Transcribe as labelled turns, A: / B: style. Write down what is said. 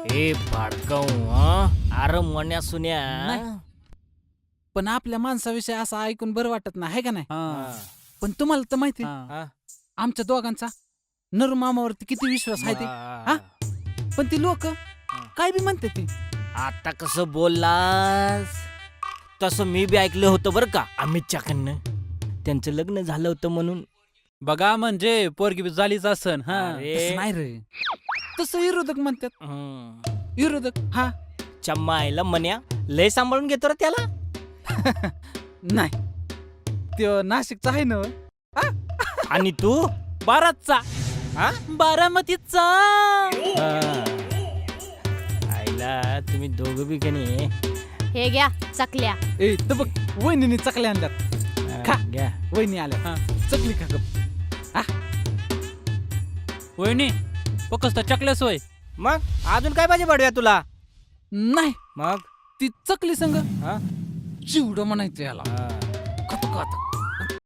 A: ए भाडकाऊ अरे मन्या सुन्या
B: नाही. पण आपल्या माणसाविषयी असं ऐकून बरं वाटत नाही है का नाही? पण तुम्हाला तर माहिती
A: हा.
B: आमच्या दोघांचा नरमामावरती किती विश्वास आहे ते. हा? पण ती लोक काय बी म्हणते ती.
A: आता कसं बोललास तसं मी बी ऐकलं होतं बरं का अमितच्याकडनं. त्यांचं लग्न झालं होतं म्हणून.
C: बघा म्हणजे पोरगी बी झालीच असन. हा
A: अरे.
B: तसं नाही रे, तसं विरोधक म्हणतात. विरोधक हा
A: चम्मा आईला मन्या लय सांभाळून घेतो रे त्याला.
B: नाही, त्यो नाशिकचा आहे ना.
A: आणि तू
C: बाराचा
A: हा?
C: बारामतीचा.
A: आईला तुम्ही दोघं बी का नाही
D: हे घ्या चकल्या.
B: ए तर बघ, वहिनीने चकल्या आणल्यात. खा.
A: घ्या.
B: वहिनी आल्या.
C: हा.
B: चकली खा गप.
C: वहिनी फक्त चकल्या सोय.
A: मग अजून काय पाहिजे बडव्या तुला?
B: नाही,
A: मग
B: ती चकली संग
A: हा?
B: चिवडं म्हणायचं याला.
A: हा.